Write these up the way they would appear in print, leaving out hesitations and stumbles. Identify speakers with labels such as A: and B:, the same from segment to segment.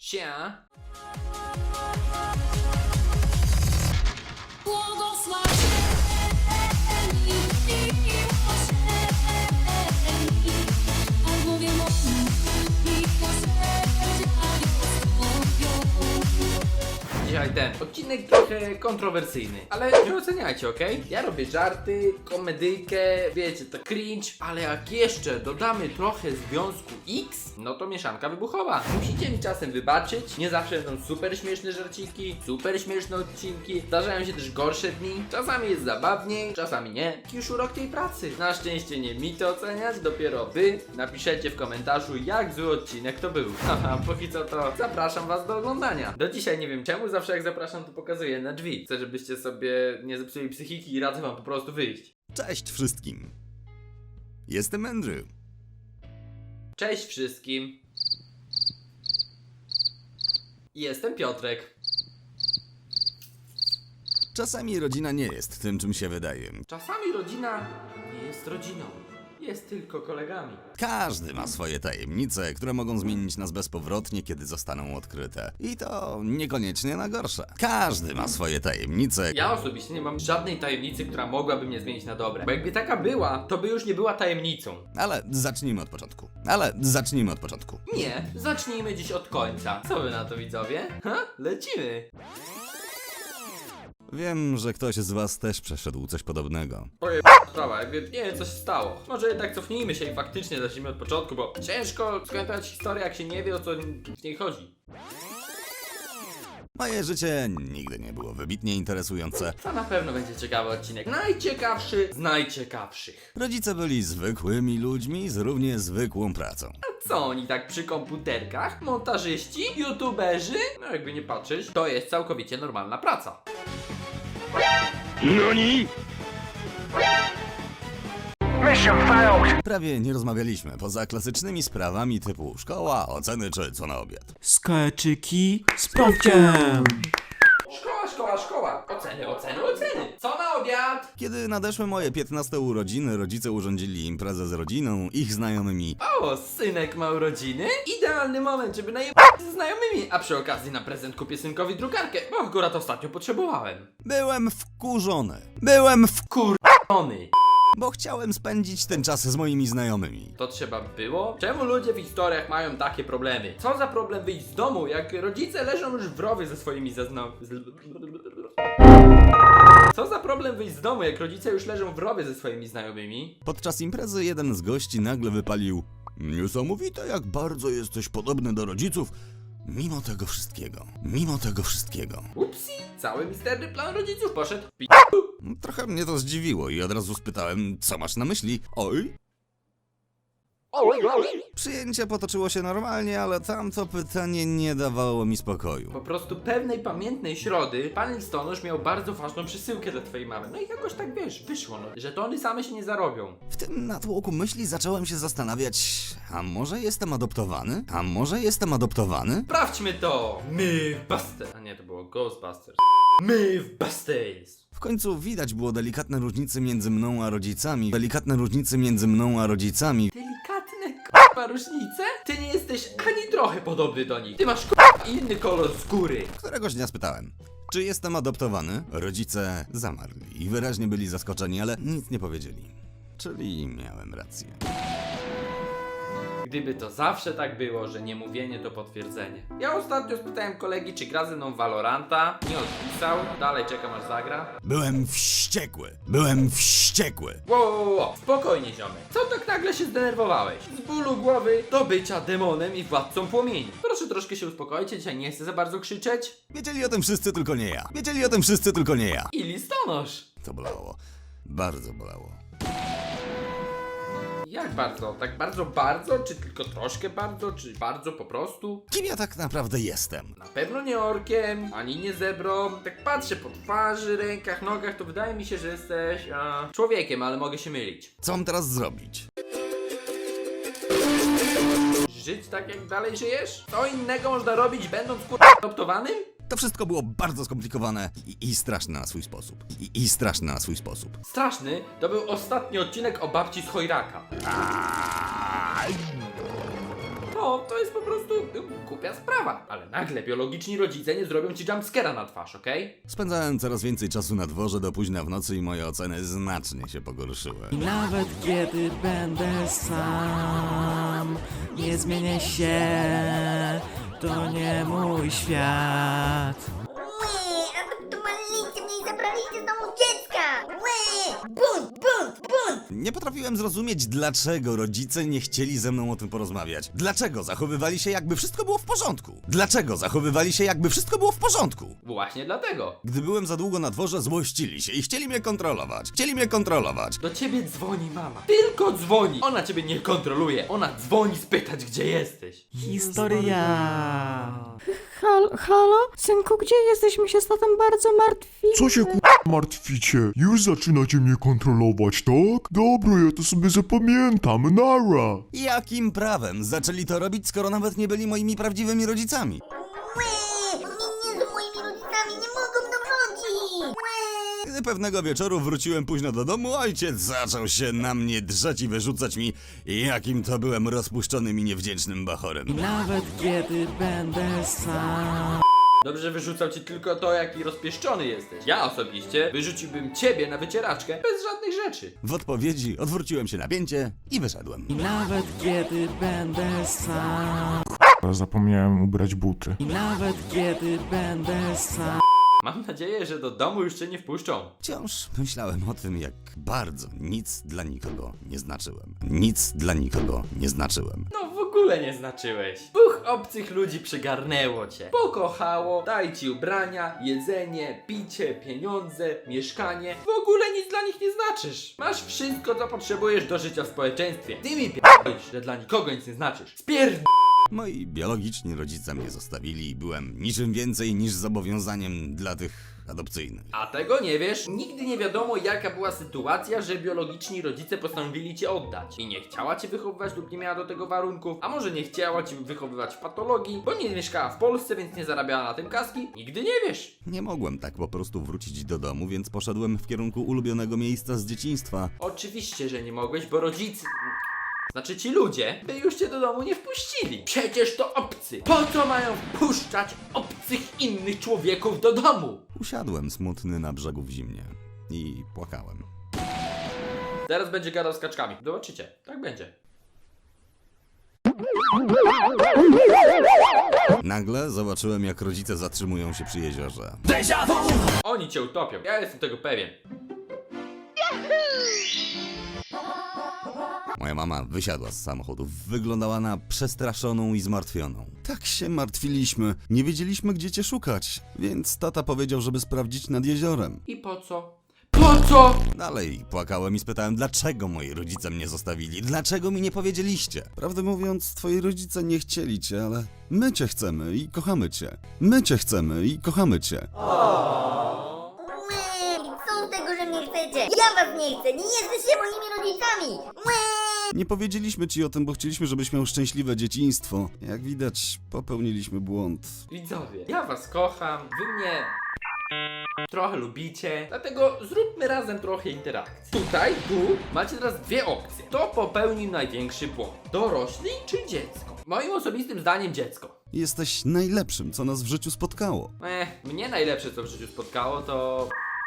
A: Sia. Dzisiaj ten odcinek trochę kontrowersyjny, ale nie oceniajcie, okej? Ja robię żarty, komedyjkę, wiecie, to cringe, ale jak jeszcze dodamy trochę związku X, no to mieszanka wybuchowa. Musicie mi czasem wybaczyć, nie zawsze będą super śmieszne żarciki, super śmieszne odcinki, zdarzają się też gorsze dni, czasami jest zabawniej, czasami nie. Taki już urok tej pracy. Na szczęście nie mi to oceniać, dopiero wy napiszecie w komentarzu, jak zły odcinek to był. Haha, póki co to zapraszam was do oglądania. Do dzisiaj nie wiem czemu, zawsze jak zapraszam to pokazuję na drzwi. Chcę, żebyście sobie nie zepsuli psychiki i radzę wam po prostu wyjść.
B: Cześć wszystkim. Jestem Andrew.
A: Cześć wszystkim. Jestem Piotrek.
B: Czasami rodzina nie jest tym, czym się wydaje.
A: Czasami rodzina nie jest rodziną. Jest tylko kolegami.
B: Każdy ma swoje tajemnice, które mogą zmienić nas bezpowrotnie, kiedy zostaną odkryte. I to niekoniecznie na gorsze. Każdy ma swoje tajemnice.
A: Ja osobiście nie mam żadnej tajemnicy, która mogłaby mnie zmienić na dobre. Bo jakby taka była, to by już nie była tajemnicą.
B: Ale zacznijmy od początku.
A: Nie, zacznijmy dziś od końca. Co wy na to, widzowie? Ha? Lecimy!
B: Wiem, że ktoś z was też przeszedł coś podobnego.
A: Sprawa, jakby nie wiem co się stało. Może jednak cofnijmy się i faktycznie zacznijmy od początku, bo ciężko skończyć historię, jak się nie wie, o co w niej chodzi.
B: Moje życie nigdy nie było wybitnie interesujące.
A: To na pewno będzie ciekawy odcinek. Najciekawszy z najciekawszych.
B: Rodzice byli zwykłymi ludźmi z równie zwykłą pracą.
A: Co oni tak przy komputerkach? Montażyści? YouTuberzy? No jakby nie patrzeć, to jest całkowicie normalna praca.
B: Prawie nie rozmawialiśmy, poza klasycznymi sprawami typu szkoła, oceny czy co na obiad.
C: Skaczyki z Pawkiem!
A: Szkoła. Oceny. Co na obiad?
B: Kiedy nadeszły moje 15 urodziny, rodzice urządzili imprezę z rodziną, ich znajomymi.
A: O, synek ma urodziny? Idealny moment, żeby najebać ze znajomymi. A przy okazji na prezent kupię synkowi drukarkę, bo akurat ostatnio potrzebowałem.
B: Byłem wkurzony,
A: Ony.
B: bo chciałem spędzić ten czas z moimi znajomymi.
A: To trzeba było? Czemu ludzie w historiach mają takie problemy? Co za problem wyjść z domu, jak rodzice leżą już w rowie ze swoimi Co za problem wyjść z domu, jak rodzice już leżą w rowie ze swoimi znajomymi?
B: Podczas imprezy jeden z gości nagle wypalił: niesamowite, jak bardzo jesteś podobny do rodziców, mimo tego wszystkiego.
A: Upsi, cały misterny plan rodziców poszedł
B: Trochę mnie to zdziwiło i od razu spytałem, co masz na myśli? Oj? Przyjęcie potoczyło się normalnie, ale tamto pytanie nie dawało mi spokoju.
A: Po prostu pewnej pamiętnej środy pan listonosz miał bardzo ważną przesyłkę dla twojej mamy. No i jakoś tak wiesz, wyszło no, że to one same się nie zarobią.
B: W tym natłoku myśli zacząłem się zastanawiać, a może jestem adoptowany?
A: Sprawdźmy to! Mythbusters! A nie, to było Ghostbusters. Mythbusters!
B: W końcu widać było delikatne różnice między mną a rodzicami.
A: Delikatne k***a różnice? Ty nie jesteś ani trochę podobny do nich. Ty masz k***a inny kolor skóry.
B: Któregoś dnia spytałem, czy jestem adoptowany? Rodzice zamarli i wyraźnie byli zaskoczeni, ale nic nie powiedzieli. Czyli miałem rację.
A: Gdyby to zawsze tak było, że niemówienie to potwierdzenie. Ja ostatnio spytałem kolegi, czy gra ze mną w Valoranta. Nie odpisał. Dalej czekam aż zagra.
B: Byłem wściekły.
A: Wow. Spokojnie ziomek. Co tak nagle się zdenerwowałeś? Z bólu głowy do bycia demonem i władcą płomieni. Proszę troszkę się uspokoić, dzisiaj nie chcę za bardzo krzyczeć.
B: Wiedzieli o tym wszyscy, tylko nie ja.
A: I listonosz.
B: To bolało. Bardzo bolało.
A: Jak bardzo? Tak bardzo? Czy tylko troszkę bardzo? Czy bardzo po prostu?
B: Kim ja tak naprawdę jestem?
A: Na pewno nie orkiem, ani nie zebrą. Tak patrzę po twarzy, rękach, nogach, to wydaje mi się, że jesteś człowiekiem, ale mogę się mylić.
B: Co mam teraz zrobić?
A: Żyć tak jak dalej żyjesz? Co innego można robić będąc adoptowanym?
B: To wszystko było bardzo skomplikowane i straszne na swój sposób.
A: Straszny to był ostatni odcinek o babci z Chojraka. No, to jest po prostu głupia sprawa. Ale nagle biologiczni rodzice nie zrobią ci jumpscare'a na twarz, okej?
B: Spędzałem coraz więcej czasu na dworze do późna w nocy i moje oceny znacznie się pogorszyły.
C: I nawet kiedy będę sam, nie zmienię się, to nie mój świat.
D: Adoptowaliście mnie i zabraliście z domu dziecka! Bunt!
B: Nie potrafiłem zrozumieć, dlaczego rodzice nie chcieli ze mną o tym porozmawiać. Dlaczego zachowywali się, jakby wszystko było w porządku? Dlaczego zachowywali się, jakby wszystko było w porządku?
A: Właśnie dlatego.
B: Gdy byłem za długo na dworze, złościli się i chcieli mnie kontrolować. Chcieli mnie kontrolować.
A: Do ciebie dzwoni mama. Tylko dzwoni. Ona ciebie nie kontroluje. Ona dzwoni spytać, gdzie jesteś.
C: Historia.
E: Halo? Synku, gdzie jesteś? My się z tatą bardzo martwi.
F: Co się martwicie? Już zaczynacie mnie kontrolować, tak? Dobra, ja to sobie zapamiętam, nara!
B: Jakim prawem zaczęli to robić, skoro nawet nie byli moimi prawdziwymi rodzicami?
D: Nie z moimi rodzicami, nie mogą do wrócić!
B: Gdy pewnego wieczoru wróciłem późno do domu, ojciec zaczął się na mnie drzeć i wyrzucać mi, jakim to byłem rozpuszczonym i niewdzięcznym
C: I
B: bachorem.
C: nawet kiedy będę sam.
A: Dobrze, że wyrzucał ci tylko to, jaki rozpieszczony jesteś. Ja osobiście wyrzuciłbym ciebie na wycieraczkę bez żadnych rzeczy.
B: W odpowiedzi odwróciłem się na pięcie i wyszedłem.
C: I nawet kiedy będę sam.
F: Zapomniałem ubrać buty.
C: I nawet kiedy będę sam.
A: Mam nadzieję, że do domu już cię nie wpuszczą.
B: Wciąż myślałem o tym, jak bardzo nic dla nikogo nie znaczyłem. Nic dla nikogo nie znaczyłem.
A: No w ogóle nie znaczyłeś. Dwóch obcych ludzi przygarnęło cię. Pokochało, daj ci ubrania, jedzenie, picie, pieniądze, mieszkanie. W ogóle nic dla nich nie znaczysz. Masz wszystko, co potrzebujesz do życia w społeczeństwie. Ty mi p***isz, że dla nikogo nic nie znaczysz.
B: Moi biologiczni rodzice mnie zostawili i byłem niczym więcej niż zobowiązaniem dla tych adopcyjnych.
A: A tego nie wiesz? Nigdy nie wiadomo, jaka była sytuacja, że biologiczni rodzice postanowili cię oddać. I nie chciała cię wychowywać lub nie miała do tego warunków, a może nie chciała cię wychowywać w patologii, bo nie mieszkała w Polsce, więc nie zarabiała na tym kaski. Nigdy nie wiesz.
B: Nie mogłem tak po prostu wrócić do domu, więc poszedłem w kierunku ulubionego miejsca z dzieciństwa.
A: Oczywiście, że nie mogłeś, bo rodzice... Znaczy ci ludzie by już cię do domu nie wpuścili. Przecież to obcy. Po co mają wpuszczać obcych innych człowieków do domu?
B: Usiadłem smutny na brzegu w zimnie i płakałem.
A: Teraz będzie gadał z kaczkami. Zobaczycie, tak będzie.
B: Nagle zobaczyłem, jak rodzice zatrzymują się przy jeziorze.
A: Oni cię utopią, ja jestem tego pewien.
B: Moja mama wysiadła z samochodu. Wyglądała na przestraszoną i zmartwioną. Tak się martwiliśmy. Nie wiedzieliśmy, gdzie cię szukać. Więc tata powiedział, żeby sprawdzić nad jeziorem.
A: I po co? Po co?
B: Dalej płakałem i spytałem, dlaczego moi rodzice mnie zostawili? Dlaczego mi nie powiedzieliście? Prawdę mówiąc, twoi rodzice nie chcieli cię, ale my cię chcemy i kochamy cię. My cię chcemy i kochamy cię.
D: Co z tego, że mnie chcecie? Ja was nie chcę, nie jesteście moimi rodzicami!
B: Nie powiedzieliśmy ci o tym, bo chcieliśmy, żebyś miał szczęśliwe dzieciństwo. Jak widać, popełniliśmy błąd.
A: Widzowie, ja was kocham, wy mnie trochę lubicie, dlatego zróbmy razem trochę interakcji. Tutaj, tu macie teraz dwie opcje. Kto popełnił największy błąd? Dorośli czy dziecko? Moim osobistym zdaniem dziecko.
B: Jesteś najlepszym, co nas w życiu spotkało.
A: Mnie najlepsze co w życiu spotkało to...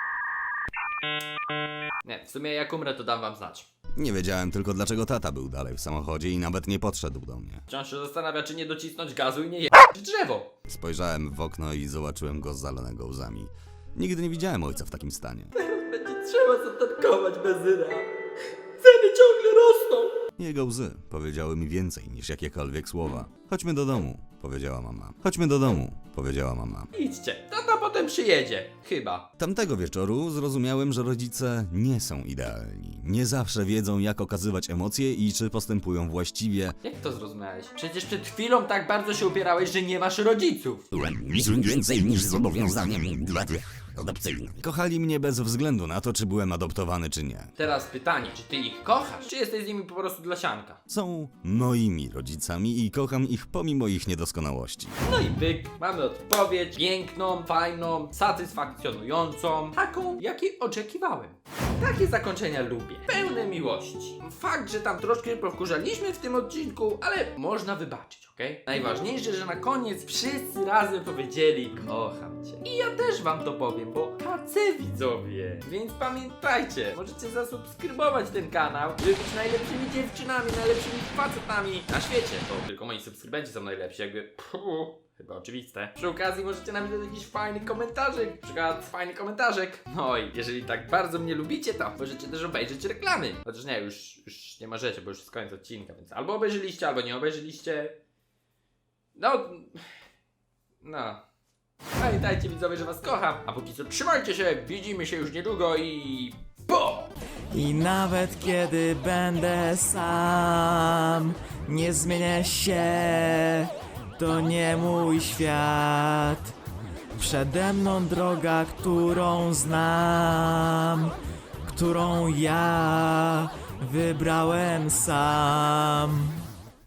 A: Nie, w sumie jak umrę to dam wam znać.
B: Nie wiedziałem tylko, dlaczego tata był dalej w samochodzie i nawet nie podszedł do mnie.
A: Wciąż się zastanawia, czy nie docisnąć gazu i nie jechać w drzewo.
B: Spojrzałem w okno i zobaczyłem go zalonego łzami. Nigdy nie widziałem ojca w takim stanie.
A: Będzie trzeba zatankować benzyna. Ceny ciągle rosną.
B: Jego łzy powiedziały mi więcej niż jakiekolwiek słowa. Chodźmy do domu, powiedziała mama. Chodźmy do domu, powiedziała mama.
A: Idźcie, tata potem przyjedzie. Chyba.
B: Tamtego wieczoru zrozumiałem, że rodzice nie są idealni. Nie zawsze wiedzą, jak okazywać emocje i czy postępują właściwie.
A: Jak to zrozumiałeś? Przecież przed chwilą tak bardzo się upierałeś, że nie masz rodziców.
B: Niczym więcej niż zobowiązaniem dla tych adopcyjnych. Kochali mnie bez względu na to, czy byłem adoptowany, czy nie.
A: Teraz pytanie, czy ty ich kochasz, czy jesteś z nimi po prostu dla sianka?
B: Są moimi rodzicami i kocham ich pomimo ich niedoskonałości.
A: No i pyk, mamy odpowiedź piękną, fajną, satysfakcjonującą, taką, jakiej oczekiwałem. takie zakończenia lubię. Pełne miłości. Fakt, że tam troszkę powkurzaliśmy w tym odcinku, ale można wybaczyć, okej? Najważniejsze, że na koniec wszyscy razem powiedzieli kocham cię. I ja też wam to powiem, bo KC widzowie. Więc pamiętajcie, możecie zasubskrybować ten kanał, żeby być najlepszymi dziewczynami, najlepszymi facetami na świecie. To tylko moi subskrybenci są najlepsi, jakby chyba oczywiste. Przy okazji możecie napisać jakiś fajny komentarzek, na przykład fajny komentarzek. No i jeżeli tak bardzo mnie lubicie, to możecie też obejrzeć reklamy. Chociaż nie, już nie możecie, bo już jest koniec odcinka, więc albo obejrzyliście, albo nie obejrzyliście. No. Pamiętajcie widzowie, że was kocham, a póki co trzymajcie się, widzimy się już niedługo i... BO!
C: I nawet kiedy będę sam, nie zmienię się, to nie mój świat. Przede mną droga, którą znam, którą ja wybrałem sam.